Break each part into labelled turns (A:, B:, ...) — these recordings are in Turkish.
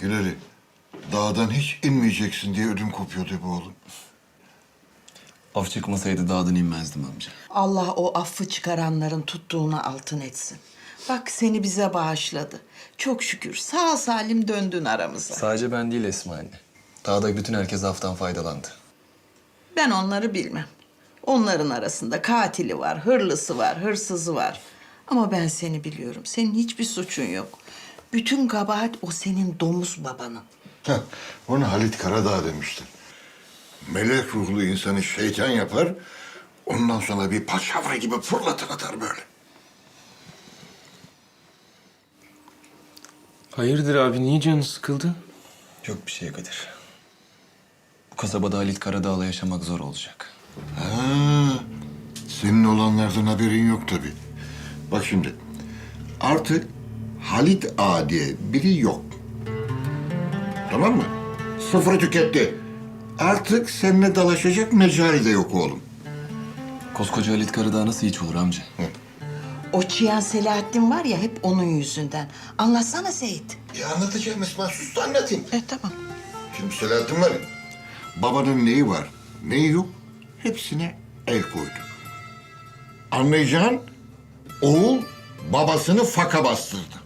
A: Güleli, dağdan hiç inmeyeceksin diye ödüm kopuyordu bu oğlum.
B: Af çıkmasaydı dağdan inmezdim amca.
C: Allah o affı çıkaranların tuttuğuna altın etsin. Bak seni bize bağışladı. Çok şükür sağ salim döndün aramıza.
B: Sadece ben değil Esma anne. Dağda bütün herkes aftan faydalandı.
C: Ben onları bilmem. Onların arasında katili var, hırlısı var, hırsızı var. Ama ben seni biliyorum. Senin hiçbir suçun yok. Bütün kabahat o senin domuz babanın.
A: Heh, onu Halit Karadağ demiştir. Melek ruhlu insanı şeytan yapar, ondan sonra bir paçavra gibi fırlatır atar böyle.
D: Hayırdır abi, niye canın sıkıldı?
B: Yok bir şey Kadir. Bu kasabada Halit Karadağ'la yaşamak zor olacak.
A: Ha, senin olanlardan haberin yok tabii. Bak şimdi, artık Halit Ağa diye biri yok. Tamam mı? Sıfırı tüketti. Artık seninle dalaşacak mecali de yok oğlum.
B: Koskoca Halit Karadağ nasıl hiç olur amca?
C: O Çiyan Selahattin var ya hep onun yüzünden. Anlatsana Seyit.
A: Anlatacağım Esma, sus da anlatayım.
C: Tamam.
A: Şimdi Selahattin var ya, babanın neyi var, neyi yok, hepsine el koydu. Anlayacağın, oğul babasını faka bastırdı.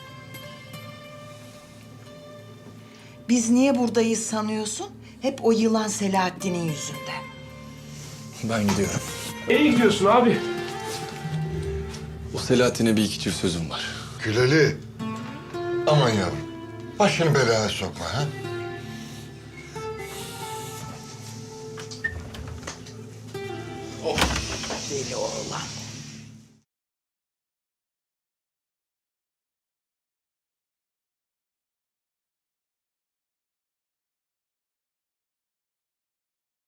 C: Biz niye buradayız sanıyorsun? Hep o yılan Selahattin'in yüzünden.
B: Ben gidiyorum.
D: Nereye gidiyorsun abi?
B: O Selahattin'e bir iki çift sözüm var.
A: Güleli, aman yavrum, başını belaya sokma ha.
C: Deli oğlan.